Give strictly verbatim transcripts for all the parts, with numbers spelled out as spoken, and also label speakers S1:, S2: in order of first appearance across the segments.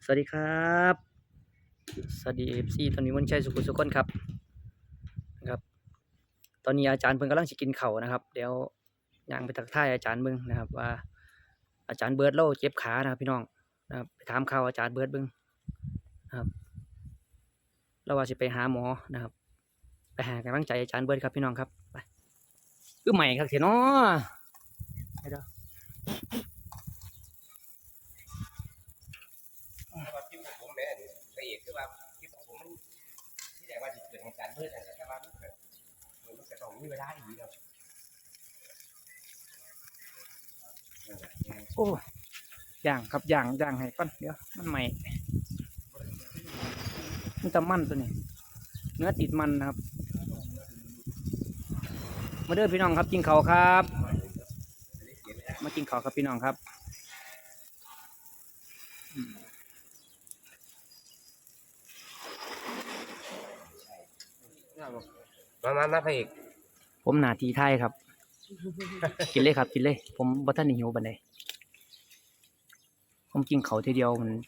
S1: สวัสดีครับสวัสดีเอฟซีตอนนี้วันชัยสุขุมสุขคนครับนะครับตอนนี้อาจารย์เพิ่งกำลังจะกินเข่าวนะครับเดี๋ยวย่างไปทักทายอาจารย์เบิ้งนะครับว่าอาจารย์เบิร์ดเล่าเจ็บขานะครับพี่น้องนะครับไปถามข่าวอาจารย์เบิร์ดเบิ้งนะครับเราว่าจะไปหาหมอนะครับไปหากำลังใจอาจารย์เบิร์ดครับพี่น้องครับไปคือใหม่ครับเสียเนาะไปเด้อ
S2: ว่าคลิปของผมเนี่ยละเอียดคือว่าคลิปของผมมันที่ไหนว่าจะเกิดเหตุการณ์เพื่ออะไรแต่ว่ามันเกิดมันจะต้องมีเวลาอีกแล้ว
S1: โอ้ย่างครับย่างย่างให้ก่อนเดี๋ยวมันใหม่มันจะมันตัวนี้เนื้อติดมันนะครับมาเด้อพี่น้องครับกินข้าวครับมากินข้าวครับพี่น้องครับ
S2: มามามาพระเอก
S1: ผมหน้าที่ไทยครับ กินเลยครับกินเลยผมบ่ทันได้หิวปานใดผมกินข้าวทีเดียวมัน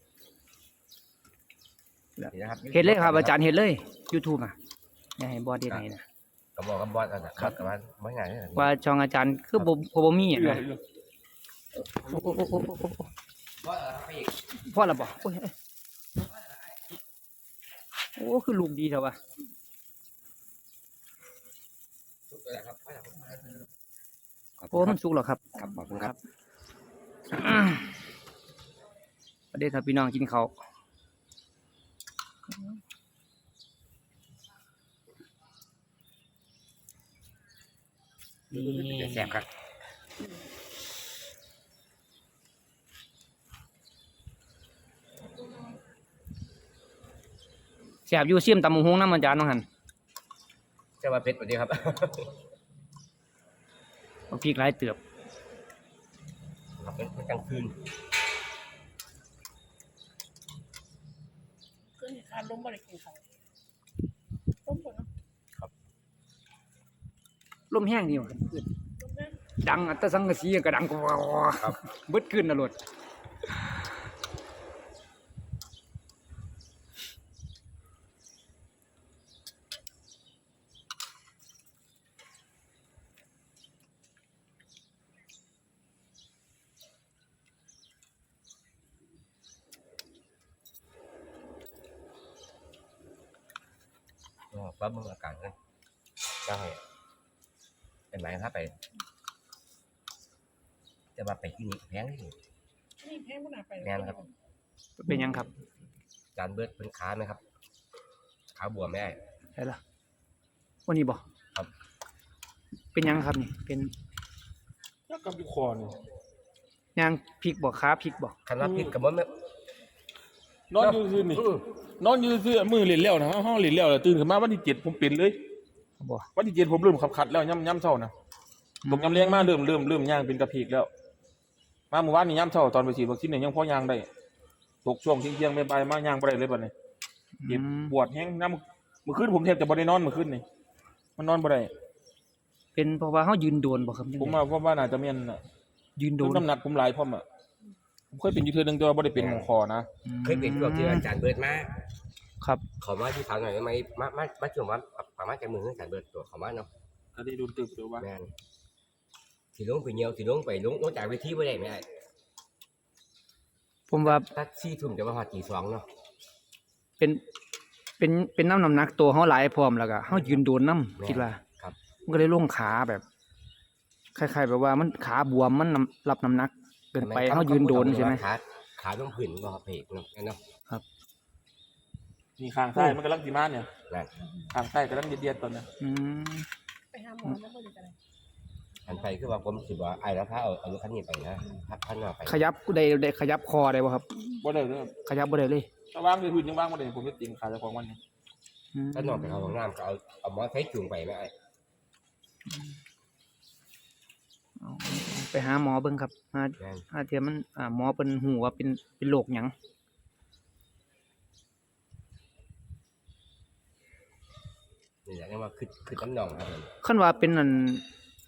S1: เห็นเลยครับอาจารย์เห็นเลย YouTube อ่ะอย่าให้บอสได้ไหนนะ
S2: ก็บอกกับบอสนะครับกับว่าไม่ง่ายเลย
S1: ว่าช่องอาจารย์คือบ่บ่มีอ่ะนะโอ้โอ้โอ้โอ้โอ้
S2: บอสพระเอก
S1: พ่อละบ่โอ้ยโอ้คือลูกดีเถอะวะ
S2: ทุกอย่างครับ
S1: โอ้มันสุกแล้วครับ
S2: ครับขอบคุณครับ
S1: ประเดี๋ยวถ้าพี่น้องกินข้าวนี่
S2: แซ่บครับ
S1: แซ่บอยู่เสี่ยมตำบักหุ่งนำอาจารย์น้องหั่น
S2: เจ้าว่าเพชรสวัสดีครับ
S1: เอาพริกหลายเติบ
S2: เป็นกลางคืน
S3: คือเหตุการณ์ล้มบริกินเขาล้มหมดเนาะ
S1: ลมแห้งดีว่ะขึ้น
S3: ล้มแม่
S1: ดังอัตสังกะสีก็ดังกว่าเบิดขึ้นน่ะโลด
S2: ปั๊บมึงอาการเลยได้เป็นไหมครับไปจะมาไปที่นี่แพงที่นี่
S3: นี่แพงขนาดไป
S2: แม่นครับ
S1: เป็นหยังครับ
S2: จานเบิร์ดเป็นขาไหมครับขาบวมไม่ได้
S1: ได้ล่ะวันนี้บ่
S2: ครับ
S1: เป็นหยังครับนี่เป็น
S4: แล้วกับอยู่คอนี่
S1: ยางพริกบ่ขาพริกบ่
S2: คันว่าพิษกับมันไม่
S4: นอนอยู่ซื่อนี่นอนอยู่ซื่อมือเล่นแล้วนะห้องเล่นแล้วตื่นขึ้นมาวันที่เจ็ดผมเป็นเลย
S1: บ่
S4: วันที่เจ็ดผมเริ่มขับขัดแล้วย่ำย่ำเช้านะตกย่ำเลี้ยงมาเริ่มเริ่มเริ่มย่างเป็นกระเพกแล้วมาเมื่อวานนี้ย่ำเช้าตอนไปฉีดวัคซีนเนี่ยยังพอย่างได้ตกช่วงเที่ยงๆไม่ไปมาย่างไปได้เลยบัดนี้เจ็บปวดแห้งน้ำเมื่อคืนผมแทบจะบ่ได้นอนเมื่อคืนนี่มันนอนบ่ได้
S1: เป็นเพราะว่าเฮายืนโดนบ่ครับ
S4: ผมว่าว่าน่าจะเมียนน่ะ
S1: ยืนโดน
S4: น้ำหนักผมหลายพร้อมอ่ะผมเคยเป็นอยู่เทื่อนึงแต่ว่าบ่ได้เป็นหมองคอนะ
S2: เคยเป็นพวกที่อาจารย์เบิร์ดมา
S1: ครับ
S2: ขอมาที่ถามหน่อยได้ไหมมามามาช่วงว่าประมาณจะมืออาจารย์เบิร์ดตัวขอมาเนาะ
S4: ก็ได้ดูตึกดูว่า
S2: แม่นสิลงไปเหี่ยวสิลงไปลงลงจากเวทีบ่ได้แม่
S1: ผมว่า
S2: ถ้าสี่ทุ่มจะมาฮอดตีสองเนาะ
S1: เป็นเป็นเป็นน้ำน้ำหนักตัวเฮาหลายพร้อมแล้วก็เฮายืนโดนน้ำคิดว่า
S2: ครับ
S1: มันก็เลยลงขาแบบคล้ายๆแบบว่ามันขาบวมมันน้ำรับน้ำหนักเกินไปเฮายืนโดนใช่ไหม
S2: ขาขาต้องผืนบ่เพกเนาะเนาะ
S4: มีข้างซ้ายมันกำลังสิมาเนี่ย
S2: นั่น
S4: ข้างซ้ายกำลังเดียดๆตอนนี้
S1: อืม
S3: ไปหาหมอแล้วบริการอะไร
S2: อันไปคือว่าผมสิว่าไอ้แล้วพาเอาเอารถคันนี้ไปนะพักคันนอกไป
S1: ขยับได้ได้ขยับคอได้บ่ครับ
S4: บ่ได้เลย
S1: ขยับบ่ได้เลย
S4: ถ้าวางในพื้นยังวางบ่ได้ผมจะติ่งขาเจ้าของมันนี่
S1: อืม
S2: คันนอกไปเอาห้องน้ำก็เอาเอามอไซค์จูงไปแม่ไอ้
S1: เอาไปหาหมอเบิ่งครับหา
S2: แม่น
S1: หาเทียมันอ่าหมอเพิ่นฮู้ว่าเป็นเป็นโรคหยัง
S2: นี่แหละเรียกว่าคือคือน้ำหนองครับผม
S1: คันว่าเป็นนั่น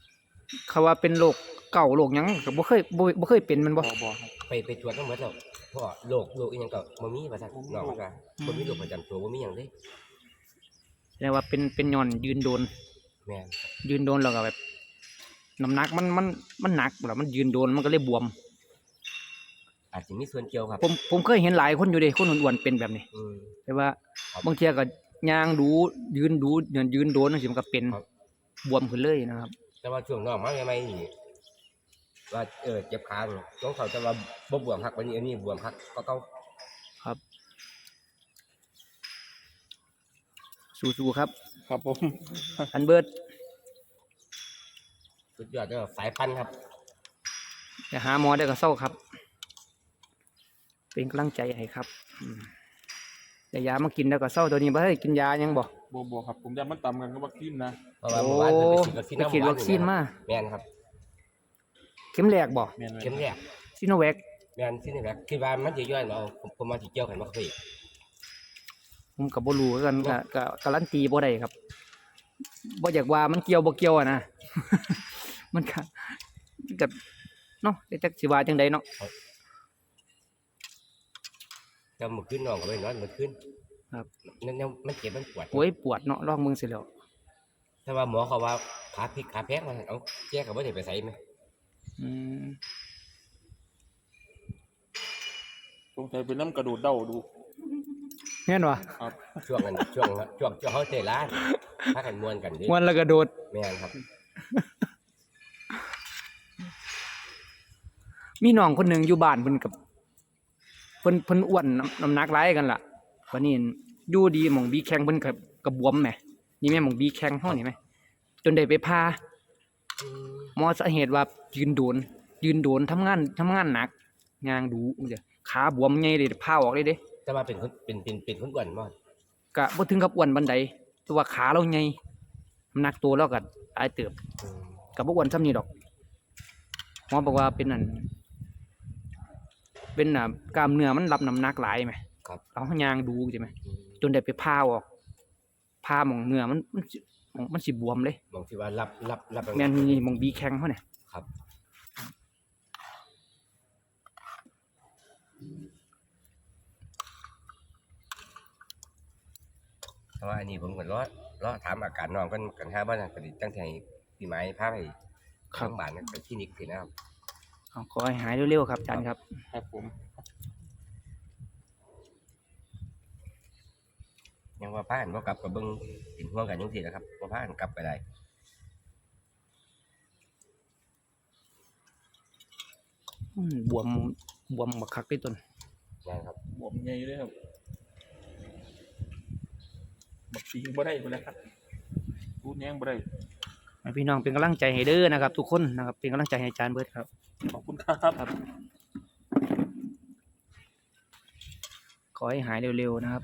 S1: เขาว่าเป็นโรคเก่าโรคหยังก็บ่เคยบ่บ่เคยเป็นมันบ่
S4: บ่บ่ครับ
S2: ไปไปตรวจทั้งหมดแล้วผพ่อโรคโรคอีหยังก็บ่มีว่าซั่นน้องมันว่าบ่มีโรคประจำตัวบ่มีหยังเลย
S1: แสดงว่าเป็นเป็นย้อนยืนโดน
S2: แม่นครับ
S1: ยืนโดนแล้วก็แบบน้ำหนักมันมันมันหนักแล้วมันยืนโดนมันก็เลยบวม
S2: อาจจะมีส่วนเกี่ยวครับ
S1: ผมผมเคยเห็นหลายคนอยู่เด้คนอ้วนๆเป็นแบบนี้
S2: อืม
S1: แต่ว่า
S2: ครับ
S1: บางเที่ยก็ย่างดูยืนดูยืนยืนโดนจังซี่มันก็เป็น
S2: ครับ
S1: บวมขึ้นเลยนะครับ
S2: แต่ว่าช่วงน้องมาใหม่ๆนี่ว่าเออเจ็บขาอยู่ต้องเขาจะว่าบ่บวมคักวันนี้อันนี้บวมคักก็เก่า
S1: ครับสู้ๆครับ
S4: ครับผม
S1: อันเบิร์ด
S2: สุดยอดเด้อสายพันธุ์ครับ
S1: อย่าหาหมอได้ก็เศร้าครับ เป็นกำลังใจให้ครับอืมแต่ยามากินแล้วก็เศร้าตัวนี้บ่ได้กินยายังบ่
S4: บ่บ่ครับผมจะมันต่ำกันกับวัคซีนนะ
S2: เพราะว่าเมื่อวานเพิ่นไปฉีดวัคซีน
S1: ไปฉีดวัคซีนมา
S2: แม่นครับ
S1: เข็มแรกบ่
S4: แม่น
S2: เข็มแรก
S1: ซิโนแวค
S2: แม่นซินี่แหละคิดว่ามันสิย่อยเนาะผมผมมาสิเกี่ยวกันบ่เคย
S1: ผมก็บ่รู้คือกันก็ก็การันตีบ่ได้ครับบ่อยากว่ามันเกี่ยวบ่เกี่ยวอะนะ มันก็ก็เนาะแต่จักสิว่าจังไดเนาะ
S2: แต่เมื่อคืนน้องก็ไปนอนเมื่อคืน
S1: ครับ
S2: นั่นเนี่ยมันเจ็บมันปวด
S1: โอ้ยปวดเนาะลองมึงสิแล้ว
S2: แต่ว่าหมอเขาว่าขาพลิกขาแพงว่าเอาแก้ก็บ่ได้ไปไสแม่
S1: อืม
S4: สงสัยเป็นน้ำกระดูดเด้าดู
S1: แม่นบ่
S4: ครับ
S2: ช่วงนั้นช่วงช่วงช่วงเขาเตะร้านพากันม่วนกันเดิ
S1: ม่วนแล้วก็โดด
S2: แม่นครับ
S1: มีน้องคนหนึงอยู่บ้านเพิ่นกับเพิ่นเพิ่นอ้วนน้ำน้ำหนักหลายกันล่ะวันนี้อยู่ดีหม่องบีแข้งเพิ่นก็ก็บวมแหมนี่แม่หม่องบีแข้งเฮานี่แหมจนได้ไปพา
S2: อืม
S1: หมอสาเหตุว่ายืนโดน ยืนโดนทำงานทำงานหนักงางดูจังซี่ขาบวมใหญ่เลยพาออกเลยเด้
S2: แต่ว่าเป็นคนเป็นเป็นเป็นคนอ้วนบ่
S1: ก็บ่ถึงกับอ้วนปานใดแต่ว่าขาเราใหญ่น้ำหนักตัวเราก็หลายเติบ
S2: อืม
S1: ก็บ่อ้วนส่ำนี้ดอกหมอบอกว่าเป็นนั่นเป็นน่ะกล้ามเนื้อมันรับน้ำหนักหลายแหม
S2: ครับ
S1: เราหยางดูใช่ไหม
S2: อืม
S1: จนได้ไปพาออกพาหมองเนื้อมันมันสิหม้องมันสิบวมเลย
S2: บางทีว่ารับรับรับ
S1: แม่นนี่หมองบีแข้งเขาเนี่ย
S2: ครับแต่ว่าอันนี้ผมก็รอรอถามอาการน้องกันกันหาว่านั่นก็ดิตั้งแต่พี่ไม้พาไปข้างบ้านนั่นไปคลินิกคือนะครับ
S1: เอาขอให้หายเร็วๆครับอาจารย์ครับ
S4: ครับผม
S2: ยังว่าพากันบ่กลับก็เบิ่งเป็นห่วงกันจังซี่แหละครับบ่พากันกลับไปได้
S1: อืมบวมบวมบักคักเลยต้น
S2: นะครับ
S4: บวมใหญ่เลยครับบักสีบ่ได้พุ่นแหล้วครับพูดแยงบ่ได้
S1: ให้พี่น้องเป็นกำลังใจให้เด้อนะครับ ทุกคนนะครับเป็นกำลังใจให้อาจารย์เบิร์ดครับ
S4: ขอบคุณครับ
S1: ครับ ขอให้หายเร็วๆนะครับ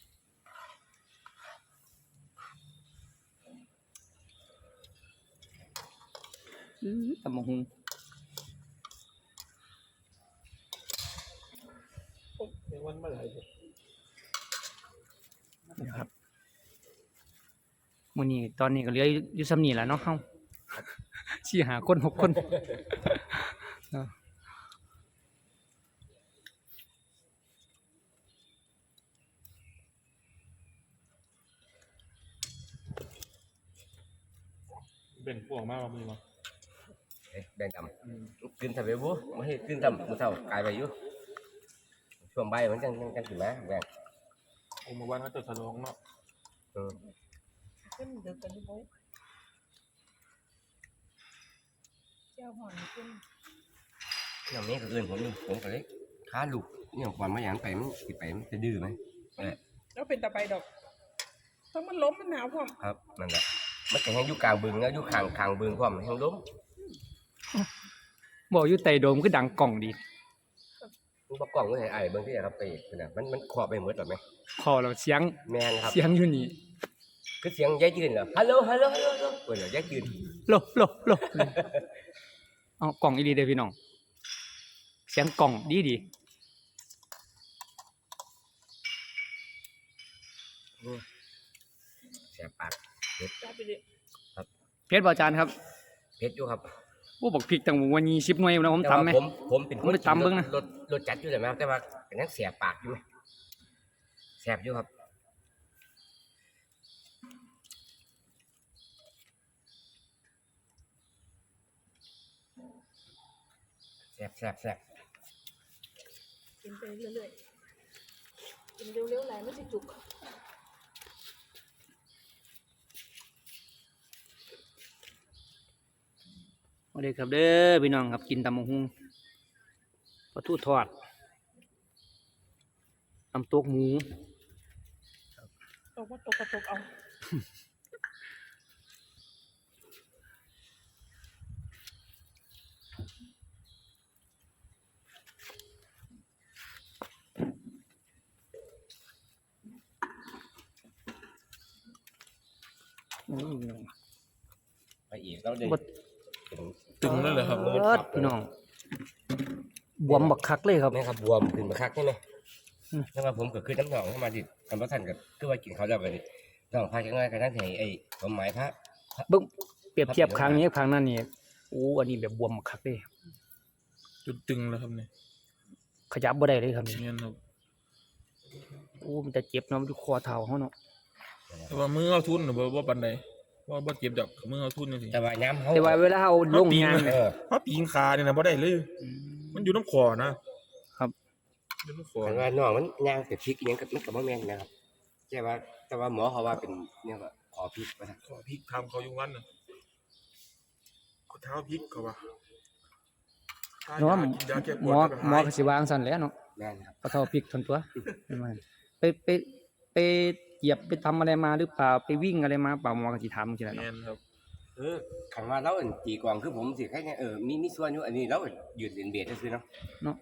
S1: อื้อตำบักหุง
S4: ในวันเมื่อไหร่
S1: นะครับมื้อนี้ตอนนี้ก็เหลืออยู่อยู่ซ้ำนี่แหละเนาะเฮา สี่หาคนหกคนเนาะ
S4: เบ่งพวกมากว่ามีมั้ง
S2: เอ๊ะแบ่งกันขึ้นทำไปบ่บ่ให้ขึ้นทำมื้อเช้ากายไปอยู่ช่วงบ่ายมันจังจังจังสิมาแบ่ง
S4: โอ้เมื่อวานเขาจะฉลองเนาะ
S2: เออ
S3: ขึ้นดึกกันดิโบ้เจ้าหอนขึ้น
S2: อย่างนี้ก็เอื่นผมอยู่ผมก็เลยค้าลูกเนี่ยความมาอย่างไปมันสิไปมันจะดื้อไหมนั่นแหละ
S3: แล้วเป็นตะไปดอกถ้ามันล้มมันหนาวพร้อม
S2: ครับนั่นแหละมันก็แห้งอยู่กลางบึงแล้วอยู่ข้างข้างบึงความแห้งล้ม
S1: บอกอยู่ใต้โดมคือดังกล่องดี
S2: มันประกล้องไว้ให้ไอ้เบิ่งที่ครับไปขนาดมันมันครอบไปหมดหรอไหม
S1: คอเราเสียง
S2: แม่นครับ
S1: เสียงอยู่นี่
S2: คือเสียงยายจืนเหรอฮัลโหลฮัลโหลฮัลโหลฮัลโหลเปิดเหรอยายจืน
S1: โลโลโลเอากล่องอีดีเด้อพี่น้องเสียงกล่องดีดี
S2: แสบปาก
S3: จ้าไปดิ
S1: เพชรบออาจารย์ครับ
S2: เพชรอยู่ครับ
S1: โอ้บอกพริกตั้งวันยี่สิบหน่วยนะผม
S2: แต่ว่า
S1: ตำไหม
S2: ผมผมเป็นค
S1: ผม
S2: น
S1: ไปตำเบิ่งนะ
S2: รสรสจัดอยู่เลยไหมครับแต่ว่าก็ยังเสียปากอยู่ไหมแสบอยู่ครับแสบแสบแสบ
S3: กินไปเรื่อยๆกินเร็วๆไหลไม่สิจุก
S1: สวัสดีครับเด้อพี่น้องครับกินตำบักหุ่งปลาทูทอดน้ำตกหมู
S3: ตกว่าตกกระตกเอา
S1: อืมพี่น้อง
S2: ไปอีกแล้วเด็ก
S1: บ่
S4: ตึงนั่นเลยครับ
S1: เอิ้นพี่น้องบวมบักคักเลยครับ
S2: นี่ครับบวมขึ้นมาคักใช่ไหม
S1: อืม
S2: แต่ว่าผมก็คือน้ำหนองเข้ามาดิคำว่าท่านก็คือว่ากินเขาวแล้วไปดิน้องพาจังไงกันนั่นไงไอ้ผมหมายพระ
S1: เบิ่งเปรียบเทียบครั้งนี้กับครั้งนั้นนี่โอ้อันนี้แบบบวมบักคักเลย
S4: จุดตึงแล้วครับเนี่ย
S1: ขยับบ่ได้เลยครับนี่
S4: เงี้ยครับ
S1: โอ้มันจะเจ็บเนาะมันอยู่คอเท้าเฮาเนาะ
S4: แต่ว่ามือเอาทุนน่ะบ่บ่ปานใดว่าบ่เจ็บดอกมือเอาทุนจังซี่
S2: แต่ว่าย้ำเขา
S1: แต่ว่าเวลาเอาลงงาน
S2: เออ
S4: เพราะปีนขาเนี่ยนะบ่ได้เลย
S1: อืม
S4: มันอยู่น้ำคอนะครับ อยู่น้ำคอ
S2: แต่ว่าน้องมันย่างแต่พริกอิหยังกับมันกับมะแมนนะครับใช่ว่าแต่ว่าหมอเขาว่าเป็นเนี่ยว่าขอพริกว่าซั่น
S4: ขอพริกทำเขาอยู่วันน่ะเขาเท้าพริกเขาว่าถ้า
S1: เนาะ
S4: ยากินยาแก้ป
S1: หม
S4: วด
S1: อ
S4: ก็
S1: หมอ
S4: หาย
S1: ก็สิวางซั่นแหล้วเนาะ
S2: แม่นครับ
S1: ปะเทาพริกทนตัวไม่ไม่ไปไปไปเหยียบไปทำอะไรมาหรือเปล่าไปวิ่งอะไรมาเปล่าหมอก็สิถามจังซี่แหละ
S4: แม่
S1: เนาะ
S4: นครับ
S2: เออคันว่าเราอันตีกวางคือผมสิแค่เนี่ยเออมีมีส่วนอยู่อันนี้เรายืนเรียนเบียดซื่อๆเนาะ
S1: เนาะ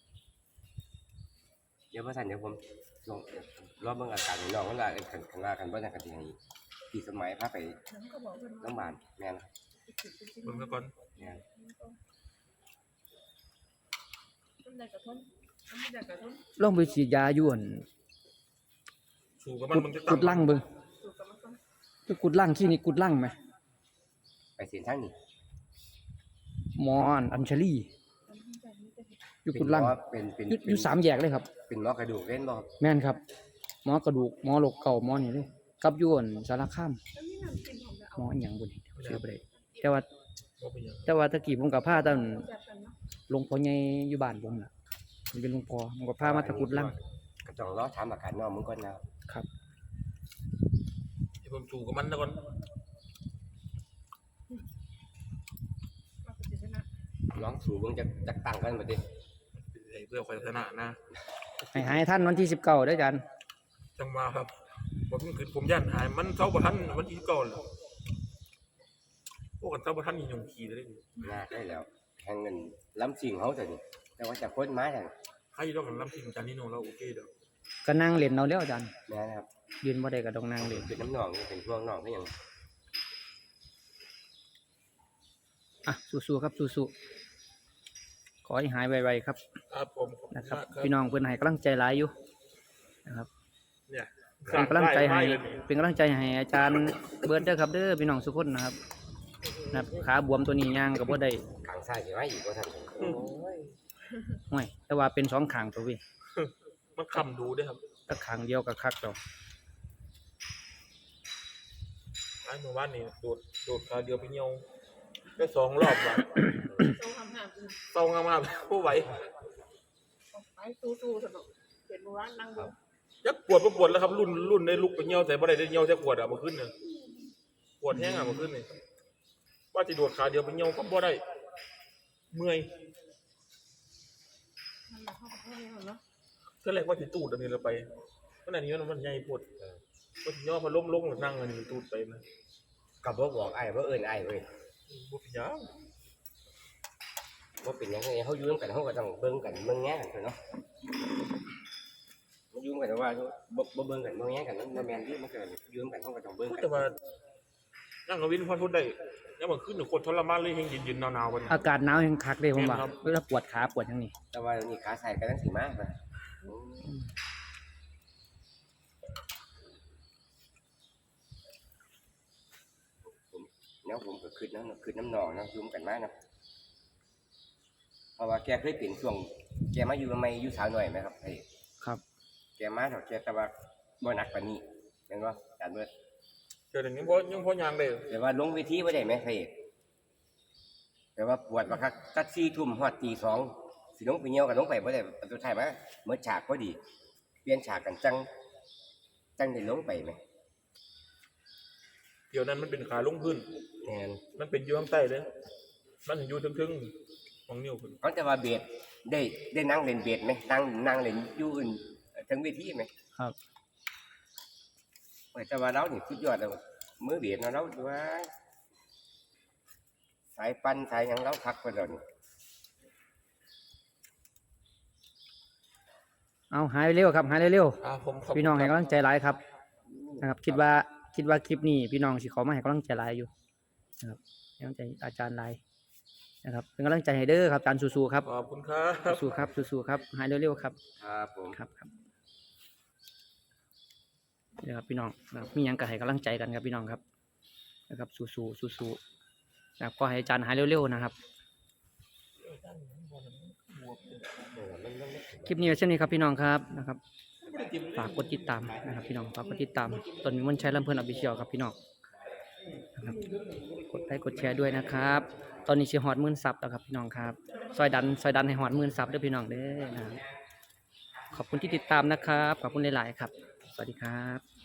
S2: เดี๋ยวพระท่านเดี๋ยวผมลองรอบเบิ่งอาการของน้องว่าเออคันคันว่ากันบ่ได้กันสิให้พี่สมัยพาไป
S3: น้ำก็บอกว่า
S2: โรงพยาบาลแม่นครับ
S4: เบิ่งซะก่อน
S2: แม่น
S3: ต้นใดกระท้นต้นใดกระท้น
S1: ลองไปฉีดยาอยู่อั่น
S4: สู้กับมัน
S1: กุด
S4: มันจะ
S1: กุดลั่งเบิ่ง
S3: สูกับมันต้น
S1: ไปกุดลั่งคลินิกกุดลั่งไหม
S2: ไปเส้นทางนี้
S1: หมออันอัญชลี
S3: ต้นใดนี่จะเห็น
S1: อยู่กุดลั่ง
S2: เป็นเป็น
S1: อยู่
S2: เป็น
S1: อยู่สามแยกเลยครับ
S2: เป็นหมอกระดูกเล่นบ่ครับ
S1: แม่นครับ หมอกระดูกหมอโรคเก่าหมอนี่เลยกับอยู่อั่นสารคาม
S3: แล้วนี่น้ำกินของเรา
S1: หมออีหยังบ่นี่เชื่อบ่ได้แต่ว่า
S4: บ่เป็นหยัง
S1: แต่ว่าตะกี้ผมกับพาตอน
S3: แซ่บกันเนาะ
S1: หลวงพ่อใหญ่อยู่บ้านผมน่ะมันเป็นหลวงพ่อผมก็พามาตะกุดลั่ง
S2: ก็ต้องรอถามอาการน้องมึงก่อนนะครับ
S1: ครับ
S4: ให้ผมสู้กับมันซะก่อน
S3: เราก็จะชนะ
S2: ลองสู่เบิ่งจักจักตั้งกันบัดนี้
S4: ให้เพื่อความชนะนะ
S1: ให้หายท่านวันที่สิบเก้าเด้ออาจารย์
S4: จังว่าครับผมคือผมย่านหายมันเซาบ่ทันมันอีกก่อนแล้วพวกกันเซาบ่ทันอีหยังขี้เลย
S2: ยากได้แล้วแห่งเงินล้ำสิ่งเขาแต่นี่แต่ว่าจะพ้นไม้แต่
S4: ใครดอกกันลำสิงจานนี้โนแล้วโอเคเด้อ
S1: ก็นั่งเล่นเอาแล้วอาจารย์
S2: แม่นะครับ
S1: ยืนบ่ได้ก็ต้องนั่งเล่น
S2: เป็นน้ำหนองนี่เป็นช่วงหนองก็ยัง
S1: อ่ะสู้ๆครับสู้ๆขอให้หายไวๆครับ
S4: ครับผม
S1: นะครับพี่น้องเพิ่นให้กำลังใจหลายอยู่นะครับ
S4: เนี่ย
S1: เป็นกำลังใจให้
S4: เลย
S1: เป็นกำลังใจให้อาจารย์เบิร์ดเด้อครับเด้อพี่น้องทุกคนนะครับนะครับขาบวมตัวนี้ย่างก็บ่ได้
S2: ขางซ้ายสิไว้อีกว่าท่านโอ้ย
S1: ห้วยแต่ว่าเป็นสองข้างตัวพี่
S4: มันคำดูด้วยครับ
S1: ถ้าข้างเดียวก็คักแล้ว
S4: ไอ้เมื่อวานนี่โดดโดดขาเดียวไปเหี่ยวได้สองรอบว่ะ
S3: โซ่ทำห่างกัน
S4: เศร้างามากผู้ไหว
S3: ไปสู้ๆสนุกเห็นว่านั่งดู
S4: ยักปวดบ่ปวดแล้วครับรุ่นรุ่นได้ลุกไปเหี่ยวแต่บ่ได้ได้เหี่ยวแต่ปวดอ่ะเมื่อคืนเนี่ยปวดแห้งอ่ะเมื่อคืนนี่ว่าจะโดดขาเดียวไปเหี่ยวก็บ่ได้เมื่อย
S3: มันมาเข้ากับพ่อเนี่ยเนาะ
S4: ก็เลยว่าสิตูดอันนี้เราไปเพราะอันนี้มันมันใหญ่ปวดก็สิย่อพอล้มลงหรือนั่งอันนี้ตูดไปนะ
S2: กับบ่บอกไอ้บ่เอิ้นไอ้เว้ย
S4: บ่เป็นหยัง
S2: บ่เป็นหยังไงเฮาอยู่นำกันเฮาก็ต้องเบิ่งกันเบิ่งแง่กันเถอะเนาะมันอยู่นำกันว่าบ่บ่เบิ่งกันเบิ่งแง่กันมันบ่แม่นที่มันก็อยู่นำกันเฮาก็ต้องเบิ่งกัน
S4: แต่ว่านั่งกับวินพอทนได้แล้วเมื่อคืนนี่โคตรทรมานเลยแห้งเย็นๆหนาวๆวันนี้
S1: อากาศหนาวแห่งคักเลยผมว่า
S4: แม่นครับ
S1: เวลาปวดขาปวดอย่างนี้
S2: แต่ว่านี่ขาใส่ก็ตั้งสิมานะผมแล้วผมก็คิดนะคิดน้ำหนองนะอยู่นำกันมานะเพราะว่าแกเคยเป็นช่วงแกมาอยู่ใหม่อยู่สาวหน่อยไหมครับพระเอก
S1: ครับ
S2: แกมาเถอะแกแต่ว่าบ่หนักกว่านี้เห็นบ่อาจารย์เบิด
S4: เดี๋ยวนี้บ่ยังพอย่างได้
S2: แต่ว่าลงเวทีบ่ได้ไหมพระเอกแต่ว่าปวดว่าคักตัดสี่ทุ่มฮอดตีสองสิลงไปเหี่ยวก็ลงไปบ่ได้สุดท้ายมาเมื่อฉากพอดีเปลี่ยนฉากกันจังจังได้ลงไปไหม
S4: เดี๋ยวนั้นมันเป็นขาลงพื้น
S2: แม่น
S4: มันเป็นอยู่ข้างใต้เลยมันอยู่ถึงๆของนิ้วขึ้น
S2: เขาแต่ว่าเบสได้ได้นั่งเล่นเบสไหมนั่งนั่งเล่นอยู่อื่นทั้งเวทีไหม
S1: ครับ
S2: แต่ว่าเรานี่สุดยอดเลยมือเบสเนาะเราว่าสายปั้นสายหยังเราคักกว่าเรานี่
S1: เอาหายเร็วๆครับหายเร็ว
S4: อ่าผมขอบ
S1: ๆพี่น้องให้กำลังใจหลายครับนะครับ คิดว่าคิดว่าคลิปนี้พี่น้องสิขอมาให้กำลังใจหลายอยู่นะครับให้กำลังใจอาจารย์หลายนะครับเป็นกำลังใจให้เด้อครับอาจารย์สู้ๆครับ
S4: ขอบคุณครับ
S1: สู้ๆครับสู้ๆครับหายเร็วๆครับ
S2: ครับผม
S1: ครับครับนี่ครับพี่น้องนะครับมีหยังก็ให้กำลังใจกันครับพี่น้องครับนะครับสู้ๆสู้ๆนะครับก็ให้อาจารย์หายเร็วๆนะครับคลิปนี้ไว้เช่นนี้ครับพี่น้องครับนะครับฝากกดติดตามนะครับพี่น้องฝากกดติดตามตนมีมนต์ชัยลำเพลินอภิเชียวครับพี่น้องนะครับกดไลค์กดแชร์ด้วยนะครับ ตอนนี้ชิฮอดหมื่นซับแล้วครับพี่น้องครับซอยดันซอยดันให้ฮอดหมื่นซับเด้อพี่น้องเด้อนะครับขอบคุณที่ติดตามนะครับขอบคุณหลายๆครับสวัสดีครับ